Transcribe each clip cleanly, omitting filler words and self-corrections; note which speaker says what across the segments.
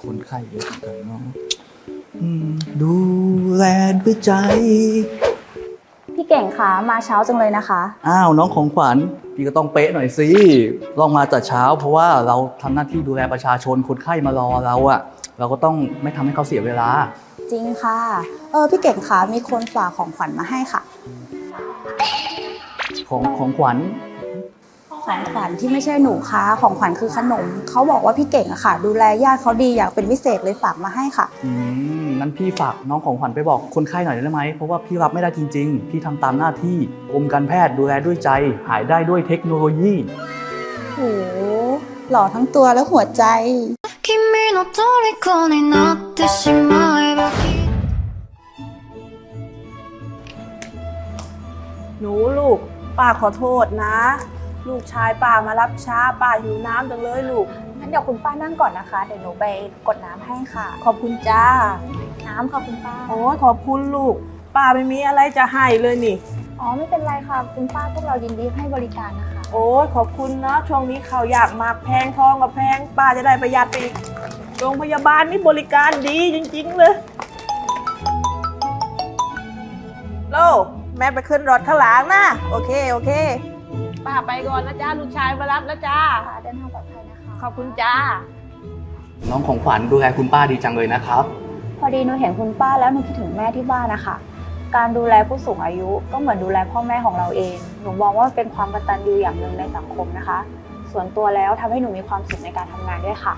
Speaker 1: คนไข้เยอะเหมือนกันเนาะดูแลด้วยใจ
Speaker 2: พี่เก่งคะมาเช้าจังเลยนะคะ
Speaker 1: อ้าวน้องของขวัญพี่ก็ต้องเป๊ะหน่อยสิลองมาแต่เช้าเพราะว่าเราทำหน้าที่ดูแลประชาชนคนไข้มารอเราอะเราก็ต้องไม่ทำให้เขาเสียเวลา
Speaker 2: จริงค่ะพี่เก่งคะมีคนฝากของขวัญมาให้ค่ะ
Speaker 1: ของขวัญ
Speaker 2: ของขวัญที่ไม่ใช่หนูคะของขวัญคือขนมเขาบอกว่าพี่เก่งอะค่ะดูแลญาติเขาดีอย่างเป็นพิเศษเลยฝากมาให้ค่ะ
Speaker 1: นั้นพี่ฝากน้องของขวัญไปบอกคนไข้หน่อยได้ไหมเพราะว่าพี่รับไม่ได้จริงๆพี่ทำตามหน้าที่กรมการแพทย์ดูแลด้วยใจหายได้ด้วยเทคโนโลยี
Speaker 2: โหหล่อทั้งตัวและหัวใจ
Speaker 3: หนูลูกป้าขอโทษนะลูกชายป้ามารับช้าป้าหิวน้ำจังเลยลูก
Speaker 2: งั้นเดี๋ยวคุณป้านั่งก่อนนะคะเดี๋ยวหนูไปกดน้ำให้ค่ะ
Speaker 3: ขอบคุณจ้า
Speaker 2: น้ำค่ะคุณป้า
Speaker 3: โอ้ยขอบคุณลูกป้าไม่มีอะไรจะให้เลยนี่
Speaker 2: ไม่เป็นไรค่ะคุณป้าพวกเรายินดีให้บริการนะคะ
Speaker 3: โอ้ยขอบคุณนะช่วงนี้ข้าวยากมากแพงทองกับแพงป้าจะได้ประหยัดไปอีกโรงพยาบาลนี่บริการดีจริงๆเลยโลแม่ไปขึ้นรถข้างหลังนะโอเคป้าไปก่อนนะจ้าลูกชายมารับแล้วจ้า
Speaker 2: เดินทางปลอดภัยนะคะ
Speaker 3: ขอบคุณจ้า
Speaker 1: น้องของขวัญดูแลคุณป้าดีจังเลยนะครับ
Speaker 2: พอดีหนูเห็นคุณป้าแล้วหนูคิดถึงแม่ที่บ้านนะคะการดูแลผู้สูงอายุก็เหมือนดูแลพ่อแม่ของเราเองหนูมองว่าเป็นความกตัญญูอย่างหนึ่งในสังคมนะคะส่วนตัวแล้วทำให้หนูมีความสุขในการทำงานด้วยค่ะ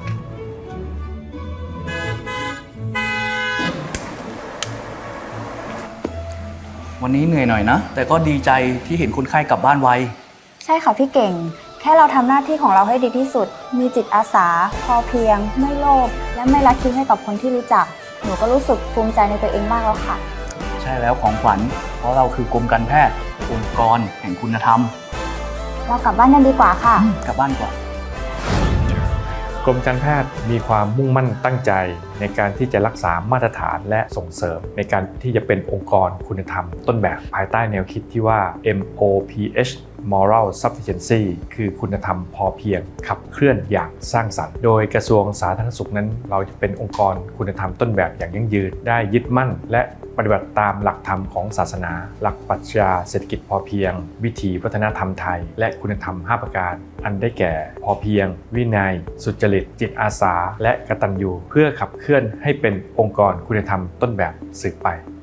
Speaker 1: วันนี้เหนื่อยหน่อยนะแต่ก็ดีใจที่เห็นคนไข้กลับบ้านไว
Speaker 2: ใช่ค่ะพี่เก่งแค่เราทำหน้าที่ของเราให้ดีที่สุดมีจิตอาสาพอเพียงไม่โลภและไม่ละทิ้งให้กับคนที่รู้จักหนูก็รู้สึกภูมิใจในตัวเองมากแล้วค่ะ
Speaker 1: ใช่แล้วของขวัญเพราะเราคือกรมการแพทย์องค์กรแห่งคุณธรรม
Speaker 2: เรากลับบ้านกันดีกว่าค่ะ
Speaker 1: กลับบ้านก่อน
Speaker 4: กรมการแพทย์มีความมุ่งมั่นตั้งใจในการที่จะรักษามาตรฐานและส่งเสริมในการที่จะเป็นองค์กรคุณธรรมต้นแบบภายใต้แนวคิดที่ว่า MOPH Moral Sufficiency คือคุณธรรมพอเพียงขับเคลื่อนอย่างสร้างสรรค์โดยกระทรวงสาธารณสุขนั้นเราจะเป็นองค์กรคุณธรรมต้นแบบอย่างยั่งยืนได้ยึดมั่นและปฏิบัติตามหลักธรรมของศาสนาหลักปรัชญาเศรษฐกิจพอเพียงวิถีวัฒนธรรมไทยและคุณธรรม5ประการอันได้แก่พอเพียงวินัยสุจริตจิตอาสาและกตัญญูเพื่อขับเคลื่อนให้เป็นองค์กรคุณธรรมต้นแบบสืบไป